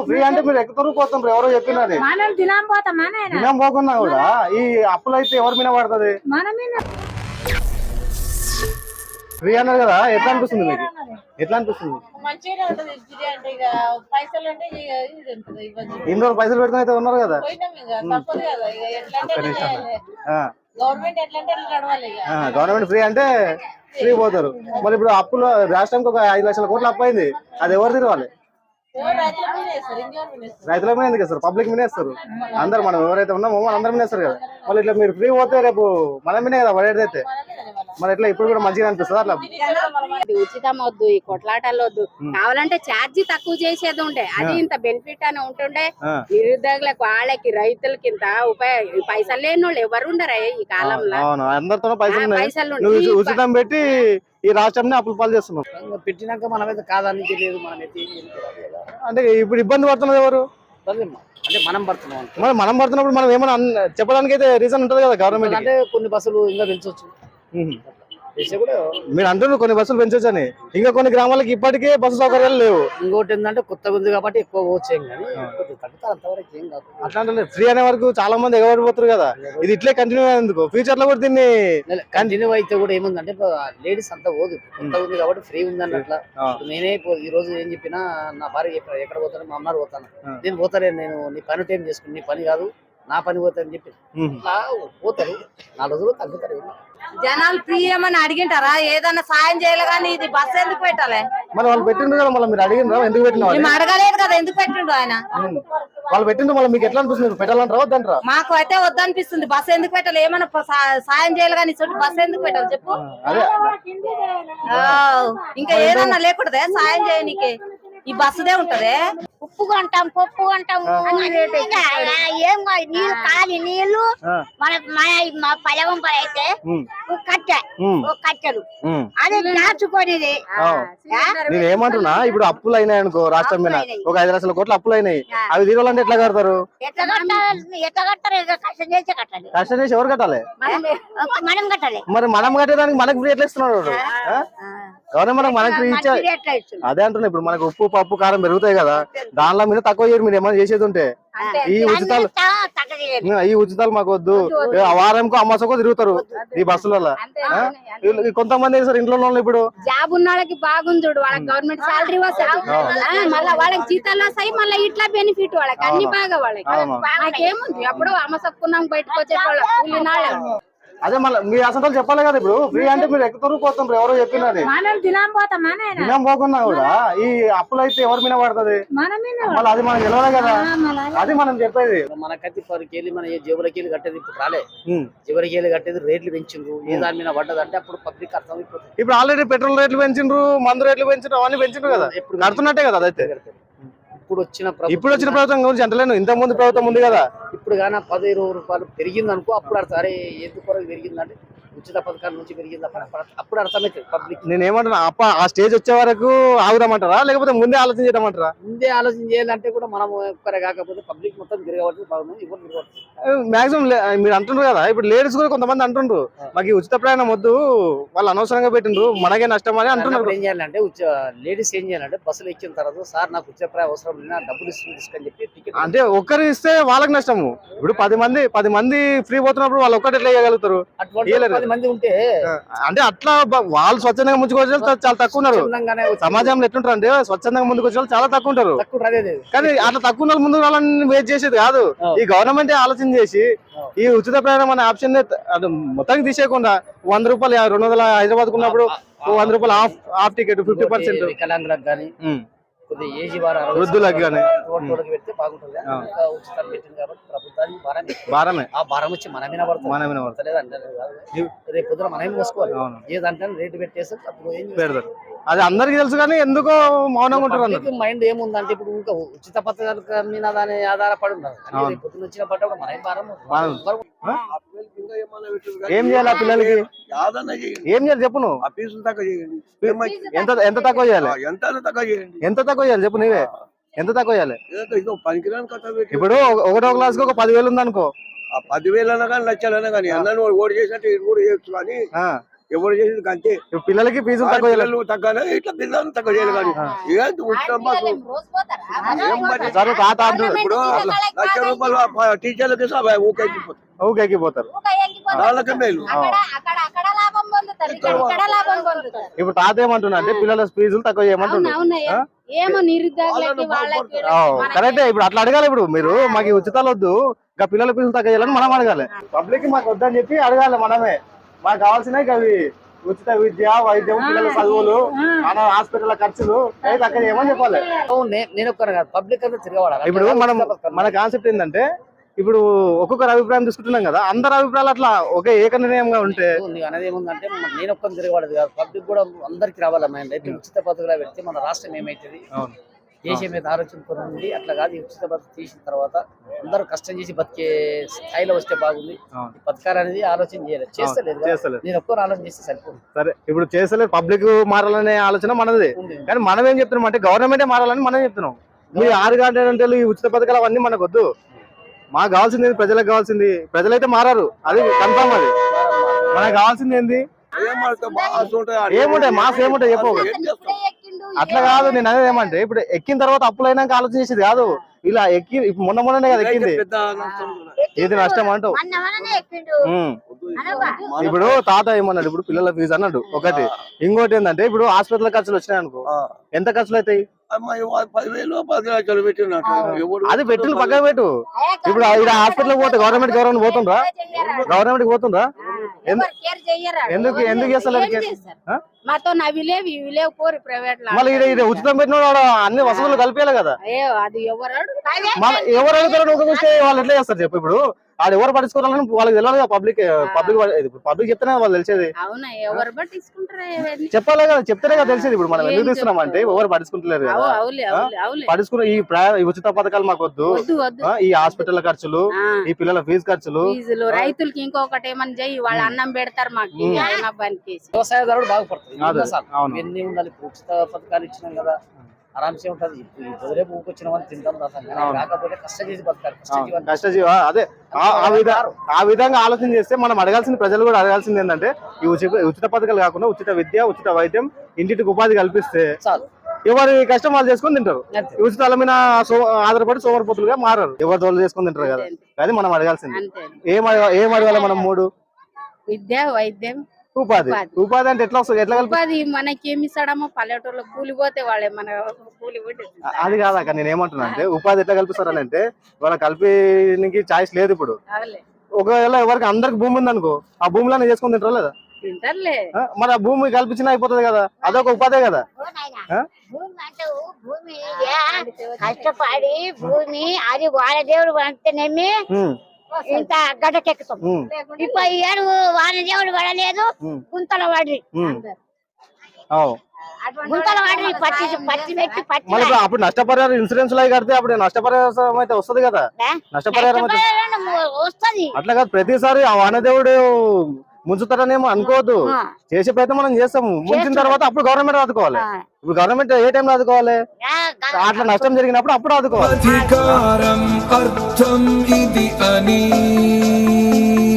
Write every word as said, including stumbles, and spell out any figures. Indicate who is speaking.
Speaker 1: Free అంటే మీరు ఎక్కుతారు పోతాం ఎవరో చెప్పినది దినం పోకున్నా కూడా ఈ అప్పులు అయితే ఎవరి మీద పడుతుంది ఫ్రీ అన్నారు కదా ఎట్లా అనిపిస్తుంది మీకు ఎట్లా అనిపిస్తుంది ఇన్ని రోజులు పైసలు పెట్టుకుని అయితే ఉన్నారు కదా గవర్నమెంట్ ఫ్రీ అంటే ఫ్రీ పోతారు మరి ఇప్పుడు అప్పులు రాష్ట్రానికి ఒక ఐదు లక్షల కోట్లు అప్పు అయింది అది ఎవరు తిరగాలి రైతుల మీద ఎందుకు ఇస్తారు పబ్లిక్ మీద ఇస్తారు అందరు మనం ఎవరైతే ఉన్నామో మన అందరి మీద ఇస్తారు కదా మళ్ళీ ఇట్లా మీరు ఫ్రీ పోతే రేపు మన మీదే కదా పడేదైతే మరి ఎట్లా ఇప్పుడు కూడా మంచిగా అనిపిస్తుంది అట్లా
Speaker 2: ఉచితం వద్దు ఈ కొట్లాటలు వద్దు కావాలంటే ఛార్జీ తక్కువ చేసేది ఉండే అది ఇంత బెనిఫిట్ అని ఉంటుండే నిరుద్యోగులకు వాళ్ళకి రైతులకి ఇంత ఉపయోగ పైసలు లేని వాళ్ళు ఎవరు ఉండరా ఈ కాలంలో
Speaker 1: అందరితో పైసలు ఉచితం పెట్టి ఈ రాష్ట్రాన్ని అప్పులు పాలు చేస్తున్నాం
Speaker 3: పెట్టినాక మనమైతే కాదని తెలియదు మనమైతే
Speaker 1: అంటే ఇప్పుడు ఇబ్బంది పడుతున్నది ఎవరు
Speaker 3: అంటే మనం పడుతున్నాం
Speaker 1: మరి మనం పడుతున్నప్పుడు మనం ఏమైనా చెప్పడానికి అయితే రీజన్ ఉంటుంది కదా గవర్నమెంట్
Speaker 3: అంటే కొన్ని బస్సులు ఇంకా పెంచవచ్చు
Speaker 1: మీరు అంటున్నారు కొన్ని బస్సులు పెంచొచ్చు అని ఇంకా కొన్ని గ్రామాలకు ఇప్పటికే బస్సు సౌకర్యాలు లేవు
Speaker 3: ఇంకోటి ఏంటంటే కొత్తగా ఉంది కాబట్టి ఎక్కువ వచ్చేయం కానీ అంతవరకు ఏం కాదు
Speaker 1: అట్లా ఫ్రీ అనే వరకు చాలా మంది ఎగబడిపోతారు కదా ఇది ఇట్లే కంటిన్యూ అయ్యేందుకు ఫ్యూచర్ లో కూడా దీన్ని
Speaker 3: కంటిన్యూ అయితే కూడా ఏముందంటే లేడీస్ అంతా పోదు కొత్తగా ఉంది కాబట్టి ఫ్రీ ఉంది అన్నట్ల నేనే ఈ రోజు ఏం చెప్పినా నా భార్య చెప్పిన ఎక్కడ పోతాను మా అమ్మారు పోతాను నేను పోతానే నేను నీ పని టైం చేసుకుని నీ పని కాదు నా పని పోతానని చెప్పి అట్లా పోతారు నాలుగు రోజులు తగ్గుతారు
Speaker 2: జనాలు ఫ్రీ ఏమని అడిగింటారా ఏదన్నా సాయం చేయాలి కానీ ఇది బస్సు ఎందుకు పెట్టాలి
Speaker 1: మరి వాళ్ళు పెట్టిండ్రు కదా మళ్ళీ మీరు అడిగినరా ఎందుకు పెట్టిన
Speaker 2: అడగలేదు కదా ఎందుకు పెట్టిండు ఆయన
Speaker 1: వాళ్ళు పెట్టిండ్రు మళ్ళీ మీకు ఎట్లా అనిపిస్తుంది పెట్టాలంటారా వద్దంటారా
Speaker 2: మాకు అయితే వద్దనిపిస్తుంది బస్సు ఎందుకు పెట్టాలి ఏమన్నా సాయం చేయాలి కానీ బస్సు ఎందుకు పెట్టాలి చెప్పు ఇంకా ఏదన్నా లేకూడదే సాయం చేయనీకి ఈ బస్సుదే ఉంటది
Speaker 4: ఉప్పు కొంటాం పప్పు కొంటాం ఏం నీళ్ళు కాలి నీళ్లు మన మన పలవం అయితే కట్టె కట్టెలు అదే దాచుకునేది
Speaker 1: నేను ఏమంటున్నా ఇప్పుడు అప్పులు అయినాయి అనుకో రాష్ట్రం మీద ఒక ఐదు లక్షల కోట్లు అప్పులు అయినాయి అవి తీరాలంటే ఎట్లా కడతారు
Speaker 4: ఎట్లా కట్టాలి ఎట్లా కట్టారు కష్టం చేసి కట్టాలి
Speaker 1: కష్టం చేసి ఎవరు కట్టాలి
Speaker 4: మనం కట్టాలి
Speaker 1: మరి మనం కట్టేదానికి మనకు ఫ్రీ ఎట్లా ఇస్తున్నాడు గవర్నమెంట్ మనకి ఫ్రీ ఇచ్చా అదే అంటున్నా ఇప్పుడు మనకు ఉప్పు పప్పు కారం పెరుగుతాయి కదా దానిలో మీద తక్కువ చేయరు మీరు ఏమైనా చేసేది ఉంటే ఈ ఉచితాలు ఈ ఉచితాలు మాకు వద్దు వారంకో అమ్మాసకో తిరుగుతారు ఈ బస్సులలో కొంతమంది సార్ ఇంట్లో ఇప్పుడు
Speaker 2: జాబ్ ఉన్న వాళ్ళకి బాగుంది చూడు వాళ్ళకి గవర్నమెంట్ సాలరీ వస్తుంది మళ్ళీ వాళ్ళకి జీతాలు వస్తాయి మళ్ళీ ఇట్లా బెనిఫిట్ వాళ్ళకి అన్ని బాగా వాళ్ళకి నాకేముంది అప్పుడు అమ్మసక్కున్నాం బయటకు వచ్చే వాళ్ళ కూలినాళ్ళ
Speaker 1: అదే మళ్ళీ మీరు అసలు చెప్పాలి కదా ఇప్పుడు ఫ్రీ అంటే మీరు ఎక్కుతారు పోతాం ఎవరో చెప్పినది దినం పోకున్నా కూడా ఈ అప్పులు అయితే ఎవరి మీద పడుతుంది మళ్ళీ అది మనం తెలియదు కదా అది మనం చెప్పేది
Speaker 3: మనకైతే పరికి మన జేబులకి వెళ్ళి కట్టేది ఇప్పుడు రాలే జేబులకి వెళ్ళి కట్టేది రేట్లు పెంచిండ్రు ఏ దాని మీద పడ్డది అంటే అప్పుడు పబ్లిక్ అర్థం
Speaker 1: ఇప్పుడు ఆల్రెడీ పెట్రోల్ రేట్లు పెంచిండ్రు మందు రేట్లు పెంచిండ్రు అవన్నీ పెంచిండ్రు కదా ఇప్పుడు కడుతున్నట్టే కదా అదైతే
Speaker 3: ఇప్పుడు వచ్చిన
Speaker 1: ఇప్పుడు వచ్చిన ప్రభుత్వం గురించి అంటలేను ఇంత ముందు ప్రభుత్వం ఉంది కదా
Speaker 3: ఇప్పుడు కానీ పది ఇరవై రూపాయలు పెరిగింది అనుకో అప్పుడు అర్థం అరే ఎందుకు కొరకు పెరిగిందంటే ఉచిత పథకాల నుంచి పెరిగింది అప్పుడు అర్థమవుతుంది పబ్లిక్
Speaker 1: నేను ఏమంటున్నా అప్ప ఆ స్టేజ్ వచ్చే వరకు ఆగుదామంటారా లేకపోతే ముందే ఆలోచన చేయమంటారా
Speaker 3: ముందే ఆలోచన చేయాలంటే కూడా మనం ఒక్కరే కాకపోతే పబ్లిక్ మొత్తం తిరగబడుతుంది బాగుంది ఇప్పుడు తిరగబడుతుంది
Speaker 1: మాక్సిమం మీరు అంటుండ్రు కదా ఇప్పుడు లేడీస్ కూడా కొంతమంది అంటుండ్రు మాకు ఈ ఉచిత ప్రయాణం వద్దు వాళ్ళు అనవసరంగా పెట్టిండ్రు మనకే నష్టం అని అంటున్నారు
Speaker 3: ఏం చేయాలంటే లేడీస్ ఏం చేయాలంటే బస్సులు ఎక్కిన తర్వాత సార్ నాకు ఉచిత ప్రయాణం అవసరం లేదు డబ్బులు ఇస్తుంది తీసుకొని చెప్పి టికెట్
Speaker 1: అంటే ఒక్కరు ఇస్తే వాళ్ళకి నష్టము ఇప్పుడు పది మంది పది మంది ఫ్రీ పోతున్నప్పుడు వాళ్ళు ఒక్కటి ఎట్లా ఇవ్వగలుగుతారు
Speaker 3: మంది ఉంటే
Speaker 1: అంటే అట్లా వాళ్ళు స్వచ్ఛందంగా ముందుకు వచ్చే చాలా తక్కువ ఉన్నారు సమాజంలో ఎట్లుంటారు అంటే స్వచ్ఛందంగా ముందుకు వచ్చే వాళ్ళు చాలా తక్కువ ఉంటారు కానీ అట్లా తక్కువ ఉన్న ముందుకు వాళ్ళని వెయిట్ చేసేది కాదు ఈ గవర్నమెంట్ ఆలోచన చేసి ఈ ఉచిత ప్రయాణం అనే ఆప్షన్ మొత్తానికి తీసేయకుండా వంద రూపాయలు రెండు వందల హైదరాబాద్ ఉన్నప్పుడు వంద రూపాయలు half half ticket fifty percent
Speaker 3: వికలాంగులకు కానీ
Speaker 1: వృద్ధులకు కానీ
Speaker 3: పెడితే బాగుంటుంది ఉచితాలు పెట్టింది కాబట్టి ప్రభుత్వానికి భారమే
Speaker 1: భారమే
Speaker 3: ఆ భారం వచ్చి మన మీద పడుతుంది
Speaker 1: మన మీద పడుతుంది
Speaker 3: రేపు పొద్దున మనమే మోసుకోవాలి ఏదంటే రేటు పెట్టేసి అప్పుడు ఏం
Speaker 1: పెడతారు అది అందరికి తెలుసు కానీ ఎందుకో మౌనంగా ఉంటారు
Speaker 3: మైండ్ ఏముందంటే ఇప్పుడు ఇంకా ఉచిత పథకాల మీద దాని ఆధారపడి ఉన్నారు పొద్దున వచ్చిన పట్ట కూడా మనమే భారం
Speaker 1: ఏం చేయాలి ఆ పిల్లలకి ఏం చేయాలి చెప్పు నువ్వు ఎంత ఎంత తక్కువ చేయాలి ఎంత తక్కువ చేయాలి చెప్పు నీవే ఎంత తక్కువ చేయాలి ఇప్పుడు ఒకటో క్లాస్ కి ఒక పదివేలు ఉంది అనుకో
Speaker 5: ఆ పదివేలు అన్నా కానీ లక్షలు అన్నా కానీ అన్న ఓడి చేసినట్టు కూడా చేయొచ్చు కానీ ఎవరు చేసింది అంతే.
Speaker 1: ఇప్పుడు పిల్లలకి ఫీజులు తక్కువ చేయాలి.
Speaker 5: పిల్లలు తగ్గాలి, ఇట్లా పిల్లలు తక్కువ చేయాలి. కానీ ఏంటి ఉచిత బస్సు ఏం పని?
Speaker 1: సరే తాత అంటున్నారు.
Speaker 5: ఇప్పుడు లక్ష రూపాయలు టీచర్లకి ఊకే ఎక్కిపోతారు,
Speaker 1: ఊకే ఎక్కిపోతారు.
Speaker 5: వాళ్ళకే మేలు.
Speaker 1: ఇప్పుడు తాత ఏమంటున్నా అంటే పిల్లల ఫీజులు తక్కువ చేయమంటున్నారు.
Speaker 2: ఏమో నిరుద్యోగులకి వాళ్ళకి
Speaker 1: కరెక్టే. ఇప్పుడు అట్లా అడగాలి. ఇప్పుడు మీరు మాకు ఈ ఉచితాలు వద్దు, ఇంకా పిల్లల ఫీజులు తక్కువ చేయాలని మనం అడగాలి. పబ్లిక్ మాకు వద్దని చెప్పి అడగాలి మనమే. మాకు కావాల్సినవి అవి ఉచిత విద్య, వైద్యం, పిల్లల చదువులు, హాస్పిటల్ ఖర్చులు అవి తక్కువ చేయమని చెప్పాలి.
Speaker 3: నేను ఒక్కరు కాదు, పబ్లిక్ అంతా తిరగబడాలి.
Speaker 1: ఇప్పుడు మనం మన కాన్సెప్ట్ ఏంటంటే ఇప్పుడు ఒక్కొక్కరు అభిప్రాయం తీసుకుంటున్నాం కదా, అందరి అభిప్రాయాలు అట్లా ఒకే ఏక నిర్ణయంగా ఉంటే
Speaker 3: నీకు అనేది ఏముందంటే నేను ఒక్కరు తిరగబడదు కాదు, పబ్లిక్ కూడా అందరికి రావాలి. మైండ్ అయితే ఉచిత పథకాలు పెడితే మన రాష్ట్రం ఏమైతుంది, దేశం మీద ఆలోచనతో ఉంది. అట్లా కాదు, ఈ ఉచిత పథకం తీసిన తర్వాత అందరూ కష్టం చేసి బతికే స్థాయిలో వస్తే బాగుంది. పథకాలు అనేది ఆలోచన చేయలేదు, చేస్తలేదు. నేను ఒక్కరు ఆలోచన చేస్తే సరిపోదు.
Speaker 1: సరే, ఇప్పుడు చేస్తలేదు. పబ్లిక్ మారాలనే ఆలోచన మనది, కానీ మనం ఏం చెప్తున్నాం అంటే గవర్నమెంటే మారాలని మనం చెప్తున్నాం. మీరు ఆరు గంటలు ఈ ఉచిత పథకాలు అవన్నీ మనకు వద్దు. మాకు కావాల్సింది ప్రజలకు కావాల్సింది, ప్రజలైతే మారారు, అది కన్ఫర్మ్. అది మనకు కావాల్సింది ఏంది? ఏముంటాయి మాస్ ఏముంటాయి చెప్పు. అట్లా కాదు, నేను అనేది ఏమంటే ఇప్పుడు ఎక్కిన తర్వాత అప్పులైనాక ఆలోచన చేసేది కాదు. ఇలా ఎక్కి మొన్న మొన్ననే కదా ఎక్కింది, ఏది నష్టం అంటావు. ఇప్పుడు తాత ఏమన్నాడు, ఇప్పుడు పిల్లల ఫీజు అన్నాడు ఒకటి. ఇంకోటి ఏంటంటే ఇప్పుడు హాస్పిటల్ ఖర్చులు వచ్చినాయి అనుకో, ఎంత ఖర్చులు అవుతాయి?
Speaker 5: పదివేలు పది లక్షలు పెట్టినట్టు
Speaker 1: అది పెట్టులు పక్కన పెట్టు. ఇప్పుడు ఇక్కడ హాస్పిటల్ పోతే గవర్నమెంట్ గవర్నమెంట్ పోతుండ్రా, గవర్నమెంట్ పోతుండ్రా? ఎందుకు ఎందుకు చేస్తారు?
Speaker 2: మాతో అవి లేవు ఇవి లేవు పోరు ప్రైవేట్
Speaker 1: మళ్ళీ ఇది ఉచితం పెట్టిన అన్ని వసతులు కలిపేయాలి కదా.
Speaker 2: అది ఎవరు
Speaker 1: ఎవరు అడుగుతారు ఒక చూస్తే వాళ్ళు ఎట్లా చేస్తారు చెప్పు. ఇప్పుడు వాళ్ళు ఎవరు పట్టించుకోవాలని వాళ్ళకి తెలియాలి కదా. పబ్లిక్ పబ్లిక్ పబ్లిక్ చెప్తేనే వాళ్ళు తెలిసేది.
Speaker 2: అవునా, ఎవరు పట్టించుకుంటారు
Speaker 1: చెప్పాలి కదా, చెప్తేనే కదా తెలిసేది. ఇప్పుడు మనం ఎందుకు తీస్తున్నాం అంటే ఎవరు పట్టించుకుంటలేరు కదా. పట్టించుకున్న ఈ ఈ ఉచిత పథకాలు మాకు వద్దు, ఈ హాస్పిటల్ ఖర్చులు, ఈ పిల్లల ఫీజు ఖర్చులు,
Speaker 2: ఫీజులు, రైతులకి ఇంకొకటి ఏమని చెయ్యి, వాళ్ళు అన్నం పెడతారు మాకు.
Speaker 3: వ్యవసాయదారుడు బాగుపడుతుంది. ఎన్ని ఉండాలి, ఉచిత పథకాలు ఇచ్చినాం కదా, ఆరాంసే ఉంటది. రేపు ఊకొచ్చిన వాళ్ళు తింటాం కాకపోతే కష్టం చేసి బతకాలి.
Speaker 1: కష్టజీవి అదే ఆ విధంగా ఆలోచన చేస్తే మనం అడగాల్సింది, ప్రజలు కూడా అడగాల్సింది ఏంటంటే ఈ ఉచిత ఉచిత పథకాలు కాకుండా ఉచిత విద్య, ఉచిత వైద్యం, ఇంటికి ఉపాధి కల్పిస్తే చాలు. ఎవరి కష్టం వాళ్ళు చేసుకుని తింటారు. ఉచితాల మీద ఆధారపడి సోమరిపోతులుగా మారారు. ఎవరి తోలు చేసుకుని తింటారు కదా. అది మనం అడగాల్సింది. ఏం ఏం అడగాలి మనం? మూడు,
Speaker 2: విద్య, వైద్యం,
Speaker 1: ఉపాధి. ఉపాధి అంటే ఎట్లా వస్తుంది? ఎట్లా
Speaker 2: ఉపాధి మనకి ఏమి ఇస్తాడమో, పల్లెటూరులో కూలిపోతే వాళ్ళే మన కూలి.
Speaker 1: అది కాదాక నేను ఏమంటున్నా అంటే ఉపాధి ఎట్లా కల్పిస్తారని అంటే వాళ్ళ కలిపినికి ఛాయిస్ లేదు. ఇప్పుడు ఒకవేళ ఎవరికి అందరికి భూమి ఉంది అనుకో, ఆ భూమిలో చేసుకుని తింటారా లేదా?
Speaker 2: తింటారులే.
Speaker 1: మరి ఆ భూమి కల్పించినా అయిపోతుంది కదా, అదొక ఉపాధే కదా.
Speaker 4: భూమి కష్టపడి భూమి అది వాళ్ళ దేవుడు అంటేనేమి ఇంత గడ్డకెక్కుతాం. ఇప్పుడు ఏడు వాళ్ళ దేవుడు పడలేదు, గుంతల వాడి గుంతల వాడి పచ్చి పచ్చి పెట్టి పచ్చి.
Speaker 1: మరి అప్పుడు నష్టపరిహారం ఇన్సూరెన్స్ లో కడితే అప్పుడు నష్టపరిహారం అయితే వస్తుంది కదా. నష్టపరిహారం
Speaker 4: వస్తుంది.
Speaker 1: అట్లా కాదు, ప్రతిసారి ఆ వానదేవుడు ముంచుతారనేమో అనుకోవద్దు. చేసే ప్రయత్నం మనం చేస్తాము. ముంచిన తర్వాత అప్పుడు గవర్నమెంట్ ఆదుకోవాలి. ఇప్పుడు గవర్నమెంట్ ఏ టైంలో ఆదుకోవాలి? అట్లా నష్టం జరిగినప్పుడు అప్పుడు ఆదుకోవాలి.